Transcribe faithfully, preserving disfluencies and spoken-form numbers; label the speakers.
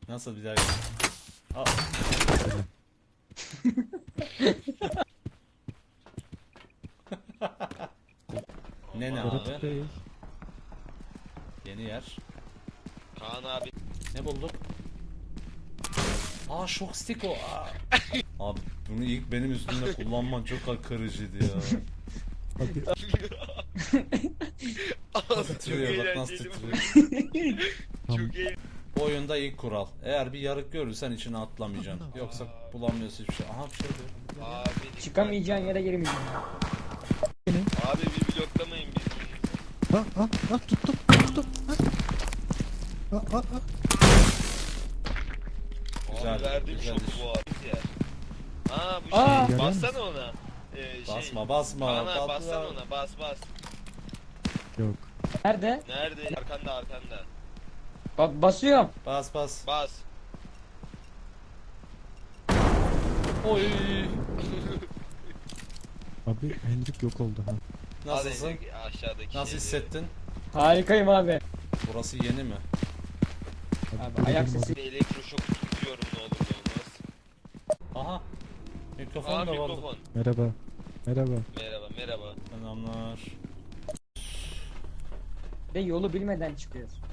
Speaker 1: Nasıl bir daha? Aa. Ne ne
Speaker 2: Berat
Speaker 1: abi?
Speaker 2: Bey.
Speaker 1: Yeni yer.
Speaker 3: Kaan abi.
Speaker 1: Ne bulduk? Aa şok stick o. Aa. Abi bunu ilk benim üstümde kullanman çok kırıcıydı ya.
Speaker 2: Abi
Speaker 3: Çok
Speaker 1: Titriyor bak nasıl
Speaker 3: eğlenceli.
Speaker 1: titriyor.
Speaker 2: tam
Speaker 3: Çok eğlenceli.
Speaker 1: Bu oyunda ilk kural. Eğer bir yarık görürsen içine atlamayacaksın. Yoksa bulamıyorsun hiçbir şey. Aha bir şey diyor.
Speaker 3: Abi.
Speaker 4: Çıkamayacağın yere girmeyeceksin.
Speaker 3: Abi bir bloklamayın bizi.
Speaker 2: ha ha ha tuttum tuttum. Ha. Ha, ha, ha.
Speaker 1: Güzel,
Speaker 3: Abi verdiğim
Speaker 1: güzel
Speaker 3: şoku
Speaker 1: iş.
Speaker 3: bu abi ya. Aa bu
Speaker 4: Aa.
Speaker 3: şey. Bassana ona. Ee, şey.
Speaker 1: Basma basma.
Speaker 3: Kaan abi
Speaker 1: patla.
Speaker 3: bassana ona. Bas bas.
Speaker 2: Yok.
Speaker 4: Nerede?
Speaker 3: Nerede? Arkanda arkanda.
Speaker 4: Ba basıyorum.
Speaker 1: Bas bas.
Speaker 3: Bas.
Speaker 1: Oy.
Speaker 2: Abi Hendrik yok oldu ha.
Speaker 1: Nasılsın?
Speaker 3: Hadi aşağıdaki
Speaker 1: Nasıl
Speaker 3: şeyleri.
Speaker 1: hissettin?
Speaker 4: Harikayım abi.
Speaker 1: Burası yeni mi?
Speaker 4: Abi,
Speaker 2: böyle
Speaker 4: ayak
Speaker 2: bir
Speaker 4: sesi.
Speaker 3: Bir elektroşok tutuyorum ne olur ne olmaz.
Speaker 1: Aha. Mikrofon
Speaker 3: Aa
Speaker 1: da vardı.
Speaker 3: mikrofon.
Speaker 2: Merhaba. Merhaba.
Speaker 3: Merhaba merhaba.
Speaker 1: Selamlar.
Speaker 4: Ve yolu bilmeden çıkıyoruz.